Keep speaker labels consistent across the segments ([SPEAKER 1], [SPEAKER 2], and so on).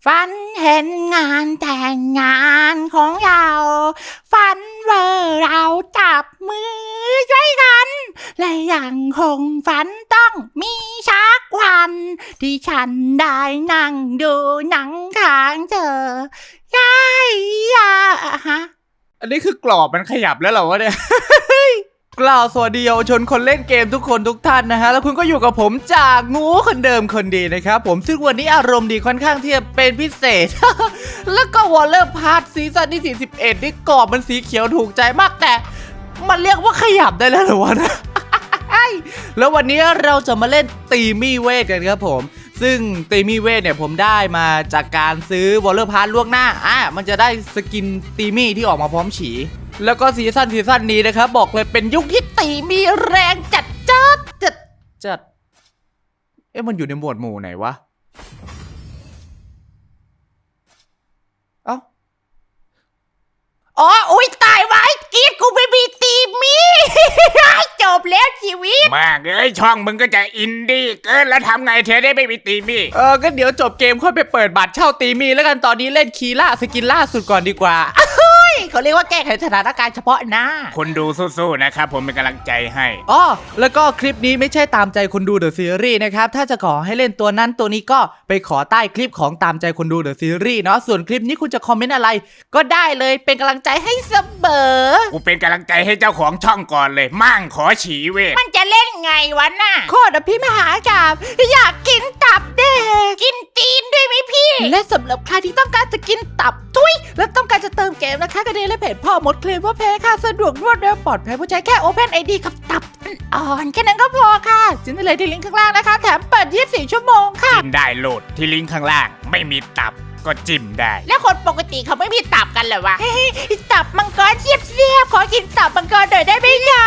[SPEAKER 1] ฝันเห็นงานแต่งงานของเราฝันว่าเราจับมือช่วยกันและยังคงฝันต้องมีชักวันที่ฉันได้นั่งดูหนังข้างเธอยายาฮะ
[SPEAKER 2] อันนี้คือกรอบมันขยับแล้วเหรอวะเนี่ย กล่าวสวัสดีเยาวชนคนเล่นเกมทุกคนทุกท่านนะฮะแล้วคุณก็อยู่กับผมจากงูคนเดิมคนดีนะครับผมซึ่งวันนี้อารมณ์ดีค่อนข้างที่จะเป็นพิเศษ แล้วก็วอลเลอร์พาร์ทซีซั่นที่41นี่กรอบมันสีเขียวถูกใจมากแต่มันเรียกว่าขยับได้แล้วเหรอวะนะ แล้ววันนี้เราจะมาเล่นตีมี่เวทกันครับผมซึ่งตีมี่เวทเนี่ยผมได้มาจากการซื้อวอลเลอร์พาร์ทล่วงหน้ามันจะได้สกินตีมี่ที่ออกมาพร้อมฉีแล้วก็ซีซั่นนี้นะครับบอกเลยเป็นยุคที่ตีมีแรงจัดมันอยู่ในหมวดหมู่ไหนวะเอ้า
[SPEAKER 1] อุ๊ยตายไว้กีดกูไม่มีตีมี จบแล้วชีวิต
[SPEAKER 3] มากช่องมึงก็จะอินดี้เกินแล้วทำไงเธอได้ไม่มีตีมี่
[SPEAKER 2] ก็เดี๋ยวจบเกมค่อยไปเปิดบัตรเช่าตีมีแล้วกันตอนนี้เล่นคีล่าสกินล่าสุดก่อนดีกว่า
[SPEAKER 1] เขาเรียกว่าแก้ไขสถานการณ์เฉพาะหน้า
[SPEAKER 3] คนดูสู้ๆนะครับผมเป็นกำลังใจให้
[SPEAKER 2] แล้วก็คลิปนี้ไม่ใช่ตามใจคนดูเดอะซีรีส์นะครับถ้าจะขอให้เล่นตัวนั้นตัวนี้ก็ไปขอใต้คลิปของตามใจคนดูเดอะซีรีส์เนาะส่วนคลิปนี้คุณจะคอมเมนต์อะไรก็ได้เลยเป็นกำลังใจให้เสมอ
[SPEAKER 3] กูเป็นกำลังใจให้เจ้าของช่องก่อนเลยมั่งขอฉีเวท
[SPEAKER 1] มันจะเล่นไงวะน่ะโคตรพี่มหากาพย์อยากกินตับเด็กกินตีนด้วยไหมพี่และสำหรับใครที่ต้องการจะกินตับทุยและต้องการจะเติมเกมนะคะกระเด็นและเพจพ่อมดเคลมว่าแพ้ค่ะสะดวกรวดเร็วปลอดภัยผู้ใช้แค่ Open ID กับตับอ่อนแค่นั้นก็พอค่ะจิ้มได้เลยที่ลิงก์ข้างล่างนะคะแถมเปิด24ชั่วโมงค่ะ
[SPEAKER 3] จิ้มได้โหลดที่ลิงก์ข้างล่างไม่มีตับก็จิ้มได้
[SPEAKER 1] แล้วคนปกติเขาไม่มีตับกันเหรอวะตับมังกรเสียบขอกินตับมังกรหน่อยได้ไหมคะ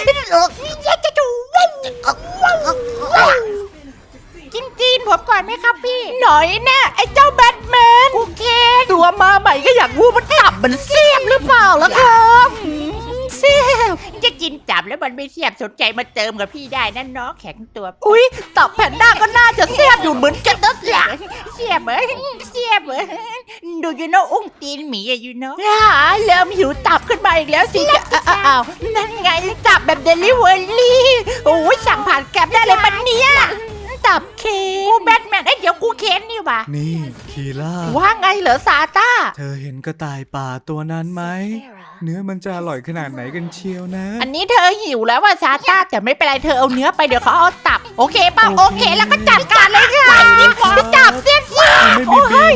[SPEAKER 1] กินจีนผมก่อนไหมครับพี่หน่อยแน่ไอ้เจ้าแบทแมนกูเคน
[SPEAKER 2] ตัวมาใหม่ก็อยากรู้มันตับมันเสียบหรือเปล่าล่ะครับ
[SPEAKER 1] เสียบจะกินตับแล้วมันไม่เสียบสนใจมาเติมกับพี่ได้นั่นเนาะแข็งตัว
[SPEAKER 2] อุ๊ยตับแพนด้าก็น่าจะเสียบอยู่เหมือนกันนะ
[SPEAKER 1] เสียบเหรอดูยูโน่อุ้งตีนหมีอะยูโน่เริ่มหิวตับขึ้นมาอีกแล้วสิอ้าวนั่นไงตับแบบเดลิเวอรี่โอ้ยสั่งผ่านแกร็บได้เลยมันเนี้ยตับเคนกูแบทแมนเดี๋ยวกูเคนนี่วะ
[SPEAKER 2] นี่คีล่า
[SPEAKER 1] ว่าไงเหรอซาต้า
[SPEAKER 2] เธอเห็นกระต่ายป่าตัวนั้นไหมเนื้อมันจะอร่อยขนาดไหนกันเชียวนะ
[SPEAKER 1] อันนี้เธอหิวแล้วว่าซาต้าแต่ไม่เป็นไรเธอเอาเนื้อไปเดี๋ยวเขาเอาตับโอเคป่ะโอเคแล้วก็จัดการเลยค่ะตับเสียโอ้ย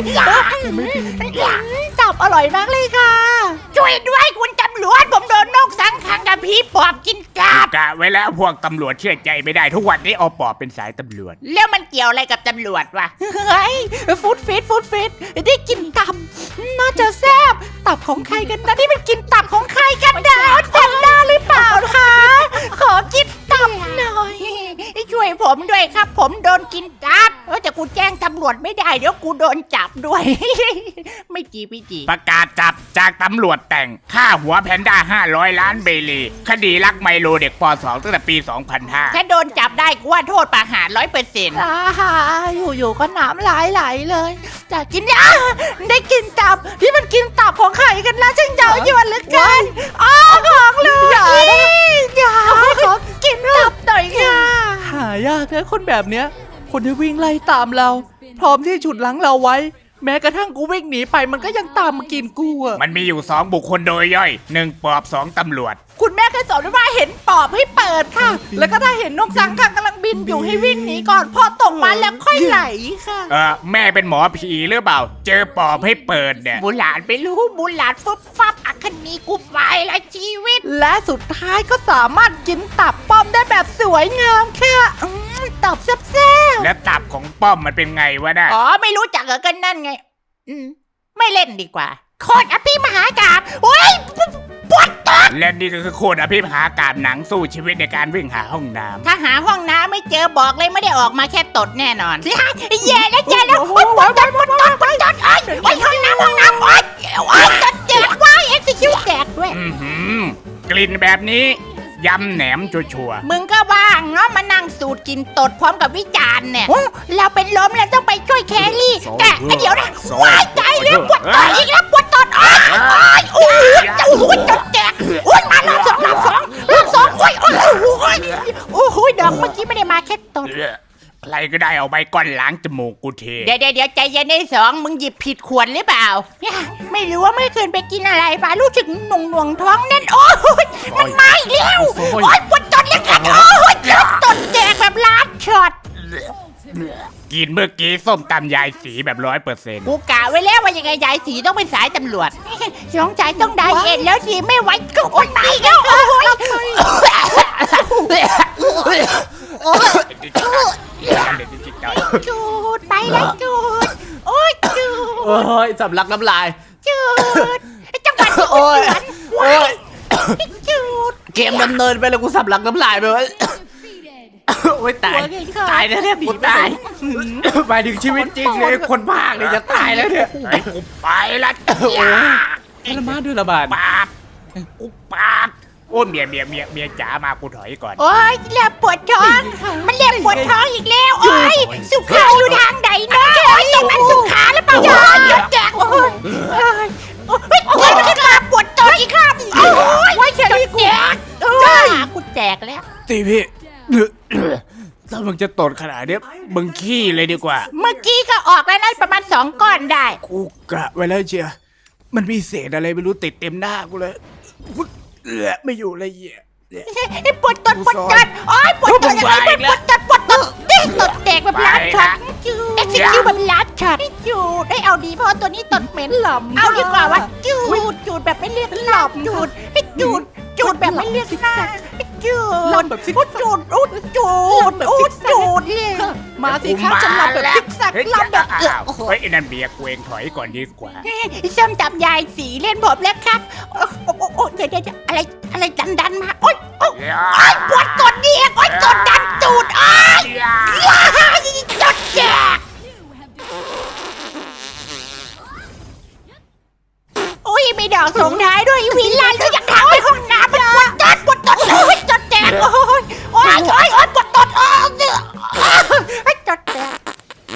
[SPEAKER 1] ตับอร่อยมากเลยค่ะช่วยด้วยคุณตำรวจผมโดนนกสังขังกับผีปอบกินตับ
[SPEAKER 3] กะไว้แล้วพวกตำรวจเชื่อใจไม่ได้ทุกวันนี้เอาปอบเป็นสายตำรวจ
[SPEAKER 1] แล้วมันเกี่ยวอะไรกับตำรวจวะเฮ้ยฟู้ดฟิตได้กินตับน่าจะแซ่บตับของใครกันนะที่มันกินตับของใครกันนะแพนด้าหรือเปล่าคะขอกินตับหน่อยช่วยผมด้วยครับผมโดนกินตับแต่กูแจ้งตำรวจไม่ได้เดี๋ยวกูโดนจับด้วย ไม่จี
[SPEAKER 3] ประกาศจับจากตำรวจแต่งค่าหัวแพนด้า500 ล้านเบลีคดีลักไมโลเด็กป.2 ตั้งแต่ปี 2005
[SPEAKER 1] ถ้าโดนจับได้กูว่าโทษประหาร 100%อยู่ๆก็น้ำไหลเลยจะกินได้กินตับที่มันกินตับของใครกันนะช่างเย้ายวนเหลือเกินของเลยอย่าขอกินตับหน่อยค่ะ
[SPEAKER 2] หายากนะคนแบบเนี้ยคนที่วิ่งไล่ตามเราพร้อมที่ฉุดลังเราไว้แม้กระทั่งกูวิ่งหนีไปมันก็ยังตามมากินกูอ่ะ
[SPEAKER 3] มันมีอยู่2บุคคลโดยย่อย1ปอบ2ตำรวจ
[SPEAKER 1] คุณแม่เคยสอนว่าเห็นปอบให้เปิดค่ะแล้วก็ถ้าเห็นนกสังขังกำลังบินอยู่ให้วิ่งหนีก่อนพอตกมาแล้วค่อยไหลค่ะ
[SPEAKER 3] แม่เป็นหมอผีหรือเปล่าเจอปอบให้เปิดเนี่ย
[SPEAKER 1] บุหลานไปรู้บุหลานฟุบฟับอัคนีกูไปละชีวิตและสุดท้ายก็สามารถกินตับป้อมได้แบบสวยงามค่ะตับแซ่บ
[SPEAKER 3] แล้วตับของป้อมมันเป็นไงวะน่ะ
[SPEAKER 1] ไม่รู้จักเหรอกันนั่นไงไม่เล่นดีกว่าโคตรอภิมหากาพย์โอ้ยปวดตับ
[SPEAKER 3] และนี่ก็คือโคตรอภิมหากาพย์หนังสู้ชีวิตในการวิ่งหาห้องน้
[SPEAKER 1] ำถ้าหาห้องน้ำไม่เจอบอกเลยไม่ได้ออกมาแค่ตดแน่นอนแย่แล้วปวดไอ้ห้องน้ำโอ๊ยตดเจ็บว้ายเอ็กซิคิวแตกด้วย
[SPEAKER 3] กลิ่นแบบนี้ยำแหนมชัวร์
[SPEAKER 1] มึงก็ว่างเนาะมานั่งสูตรกินตดพร้อมกับวิจารณ์เนี่ยเราเป็นลมแล้วต้องไปช่วยแครี่แต่เดี๋ยวนะว้ายใจเลยปวดตดอีกแล้วปวดตดโอ้ยโอ้ยจะโอ้ยตดแตกโอ้ยมารอบสองโอ้ยโอ้ยโอ้โหดอกเมื่อกี้ไม่ได้มาแค่ตด
[SPEAKER 3] ใครก็ได้เอาใบก้อนล้างจมูกกูเท
[SPEAKER 1] เดี๋ยวใจเย็นในสองมึงหยิบผิดขวดหรือเปล่าไม่รู้ว่าไม่เคยไปกินอะไรมารู้สึกหน่วงท้องแน่นโอ้ยมันมาอีกแล้วโอ้ยปวดตดเลยกันโอ้ยตดแตกแบบล้านช็อต
[SPEAKER 3] กินเมื่อกี้ส้มตำยายสีแบบ100%
[SPEAKER 1] กูกะไว้แล้วว่ายังไงยายสีต้องเป็นสายตำรวจสงสัยต้องไดเอทแล้วสิไม่ไหวก็อดตายแล้วโอ้ยจูดไปแล้วจูดโอ้ยจูด
[SPEAKER 2] โอ้ยสำลักน้ำลาย
[SPEAKER 1] จูดจังหวัด
[SPEAKER 2] โอ้ยโอ้ย
[SPEAKER 1] จูด
[SPEAKER 2] เกมดำเนินไปแล้วกูสำลักน้ำลายไปวะโอ้ยตายตายแล้วเนี่ยผีตายหมายถึงชีวิตจริงเลยคนภาคเนี่ยจะตายแล้วเนี่ย
[SPEAKER 3] ไอ้กูไปละ
[SPEAKER 2] โอ้ยละมาด้วยระบาด
[SPEAKER 3] ปาบกูปาบโอ้เมียจ๋ามากูถอยก่อน
[SPEAKER 1] โอ้ยเรียบปวดท้องมันเรียบปวดท้องอีกแล้วโอ้ยสุขาอยู่ทางไหนเนาะโอ้ยตรงนั้นสุขาหรือเปล่าโอ้ยยศแจกโอ้ยโอ้ยมันขึ้นมาปวดท้องอีกครับโอ้ยเฉลี่ยแจกโอ้ยกูแจกแล้ว
[SPEAKER 3] ตีพี่ถ้ามึงจะตดขนาดนี้มึงขี้เลยดีกว่า
[SPEAKER 1] เมื่อกี้ก็ออกแล้วนะประมาณ2 ก้อนได้
[SPEAKER 3] กูกะไว้แล้วเชียมันมีเศษอะไรไม่รู้ติดเต็มหน้ากูเลยไม่อยู่เลยเหี้ย
[SPEAKER 1] ปวดตดโอ้ยปวดตดปวดตดตดแตกแบบล้านช็อตเอ็กซิคิวแบบล้านช็อตจูดได้เอาดีเพราะตัวนี้ตดเหม็นหล่อมเอาดีกว่าวะจูดแบบไม่เรียกหล่อมจูดแบบไม่เรียกหน้าจูดจูดเลย
[SPEAKER 2] มาสิครับจะลำแบบซิกแซกลำแบบ
[SPEAKER 3] เฮ้ยไอ้นั่นเบียร์กูเองถอยก่อนดีกว่า
[SPEAKER 1] ส้มตำยายสีเล่นผมแล้วครับโอ้เดี๋ยวอะไรดันมาโอ้ยปวดกดดีโอ้ยกดดันจูดอ้ายจดแจกโอ้ยมีดอกส่งท้ายด้วยวิลาด้วยยังทางไปห้องน้ำมันปวดตดโอ้ยจดแจกโอ้ยปวดตดจดแจก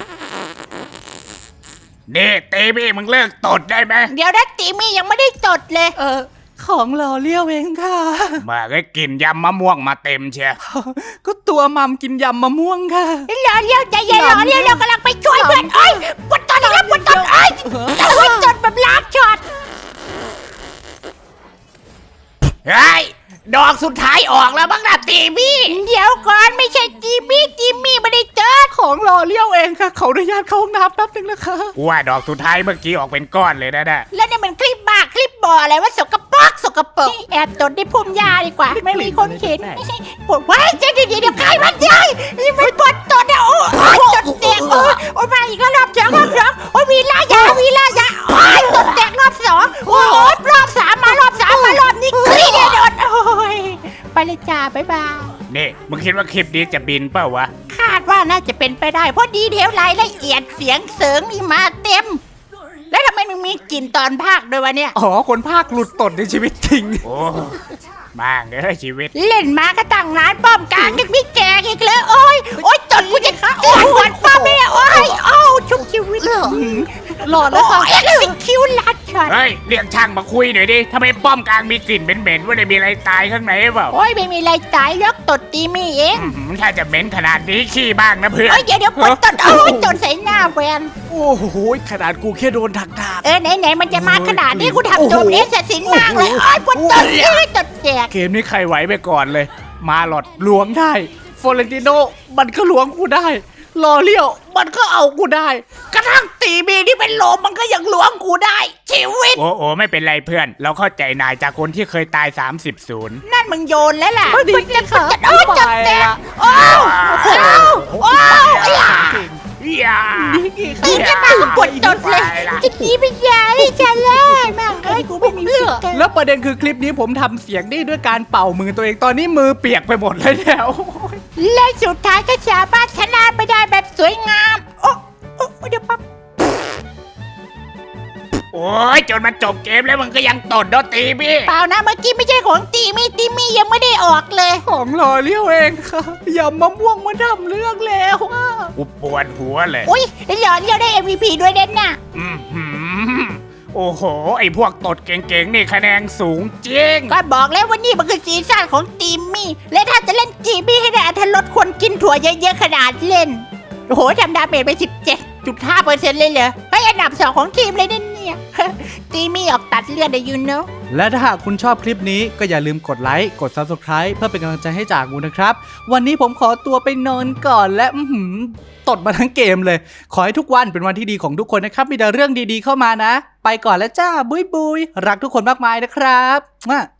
[SPEAKER 3] นี่ตีพี่มึงเลิกตดได้ไหม
[SPEAKER 1] เดี๋ยวนะตีมี่ยังไม่ได้จดเลย
[SPEAKER 2] ของหล่อเลี้ยวเองค่ะ
[SPEAKER 3] มาก็กินยำมะม่วงมาเต็มเชีย
[SPEAKER 2] ก็ตัวมัมกินยำมะม่วงค่ะ
[SPEAKER 1] รอเลี้ยวใจเย็นรอเลี้ยวเรากำลังไปช่วยเพื่อนเอ้ยปวดตอนอีกแล้วปวดตอนเอ้ยจดแบบล้านช็อต
[SPEAKER 3] เฮ้ยดอกสุดท้ายออกแล้วบ้างนะตีมี่
[SPEAKER 1] เดี๋ยวก่อนไม่ใช่จิมมี่ไม่ได้จด
[SPEAKER 2] ของหล่อเลี้ยวเองค่ะขออนุญาตเข้าห้องน้ำแป๊บนึงนะคะ
[SPEAKER 3] กูว่าดอกสุดท้ายเมื่อกี้ออกเป็นก้อนเลยนะ
[SPEAKER 1] แล้วเนี่ยมันคลิปบ้าคลิปบ่ออะไรว่าสกปรกแอบจดในพุ่มหญ้าดีกว่า ไม่มีคนเห็นปวดไว้เดี๋ยวใครมันใหญ่นี่มันปวดตดเนี่ยโอ้ยจดแตกโอ้ยมาอีกแล้วรอบ2โอ้ยวีล่ายาโอ้ยจดแตกรอบ2โอ้ยรอบ3มารอบนี้คลิปเนี่ยโดนโอ้ยไปเลยจ้าบ๊ายบาย
[SPEAKER 3] นี่มึงคิดว่าคลิปนี้จะบินเปล่าวะ
[SPEAKER 1] คาดว่าน่าจะเป็นไปได้เพราะดีเทลรายละเอียดเสียงเสริงนี่มาเต็ม แล้วทำไมมึงมีกลิ่นตอนภาคด้วยวะเนี่ย
[SPEAKER 2] อ๋อคนภาคหลุดตดในชีวิตจริง
[SPEAKER 3] โอ้บ้างชีวิต
[SPEAKER 1] เล่นมาก็ตั้งนานป้อมกลางยังไม่แจกอีกเลยโอ้ยจดกูจะขาดหวานป้าแม่โอ้ยชุบชีวิต
[SPEAKER 2] หล่อแล้วค่ะ
[SPEAKER 1] เอ็กซิคิวลัดช็อต
[SPEAKER 3] เฮ้ยเรียกช่างมาคุยหน่อยดิทำไมป้อมกลางมีกลิ่นเหม็นๆว่าได้มีอะไรตายข้างในเปล่า
[SPEAKER 1] โอ้ยไม่มีอะไรตายยกตดตีมีเอง
[SPEAKER 3] ถ้าจะเหม็นขนาดนี้ขี้บ้างนะเพื่อน
[SPEAKER 1] โอ้ยเดี๋ยวปวดตดโอ้ยจดใส่หน้าแวน
[SPEAKER 2] โอ้โหขนาดกูแค่โดนถัก
[SPEAKER 1] ไหนมันจะมาขนาดนี้กูทำโจมเอสสินมากเลยโอ้ยปวดตดตดแจก
[SPEAKER 2] เกมนี้ใครไหวไปก่อนเลย มาหลอดล้วงได้ฟอเรนติโนมันก็ล้วงกูได้ลอเลี้ยวมันก็เอากูได้
[SPEAKER 1] กระทั่งตีมีที่เป็นโลมมันก็ยังล้วงกูได้ชีวิต
[SPEAKER 3] โอ้ไม่เป็นไรเพื่อน เราเข้าใจนายจากคนที่เคยตาย30-0
[SPEAKER 1] นั่นมึงโยนแล้วล่ะ
[SPEAKER 2] ไม่ดีค่ะ
[SPEAKER 1] โอ้ยจัดแตกโอ้ย
[SPEAKER 3] อย่า
[SPEAKER 1] ตีจะมากูปวดตดเลยจะตีไปยาดิฉันเลยแม่งเอ้ยกูไม่มีสิทธิ์
[SPEAKER 2] แล้วประเด็นคือคลิปนี้ผมทำเสียงได้ด้วยการเป่ามือตัวเองตอนนี้มือเปียกไปหมดเลยแล้ว
[SPEAKER 1] และสุดท้ายก็สามารถชนะไปได้แบบสวยงามโอ้เดี๋ยวปั๊บ
[SPEAKER 3] โอ้ยจนมันจบเกมแล้วมึงก็ยังตดโดนตีพี่
[SPEAKER 1] เปล่านะเมื่อกี้ไม่ใช่ของตีมี่ยังไม่ได้ออกเลย
[SPEAKER 2] ของหล่อเลี้ยวเองค่ะยำมะม่วงมาทำเรื่องแล้วอะ
[SPEAKER 3] กูปวดหัวเลย
[SPEAKER 1] อุ้ยหล่อเลี้ยวได้ MVP ด้วยเด่นน่ะ
[SPEAKER 3] อื้อหือโอ้โห ไอพวกตดเก่งๆนี่คะแนนสูงจริง
[SPEAKER 1] ก็บอกแล้วว่านี่มันคือซีซั่นของตีมี่ และถ้าจะเล่นตีมี่ให้ได้อรรถรสควรกินถั่วเยอะๆขนาดเล่น โอ้โหทำดาเมจไป 17.5% เลยเหรอเฮ้ยอันดับ 2 ของทีมเลยเนี่ย ตีมี่ออกตัดเลือดได้ยูโน
[SPEAKER 2] และถ้าหากคุณชอบคลิปนี้ก็อย่าลืมกดไลค์กด Subscribe เพื่อเป็นกำลังใจให้จากงูนะครับวันนี้ผมขอตัวไปนอนก่อนและตดมาทั้งเกมเลย ขอให้ทุกวันเป็นวันที่ดีของทุกคนนะครับมีแต่เรื่องดีๆเข้ามานะ ไปก่อนแล้วจ้าบุยบุยรักทุกคนมากมายนะครับ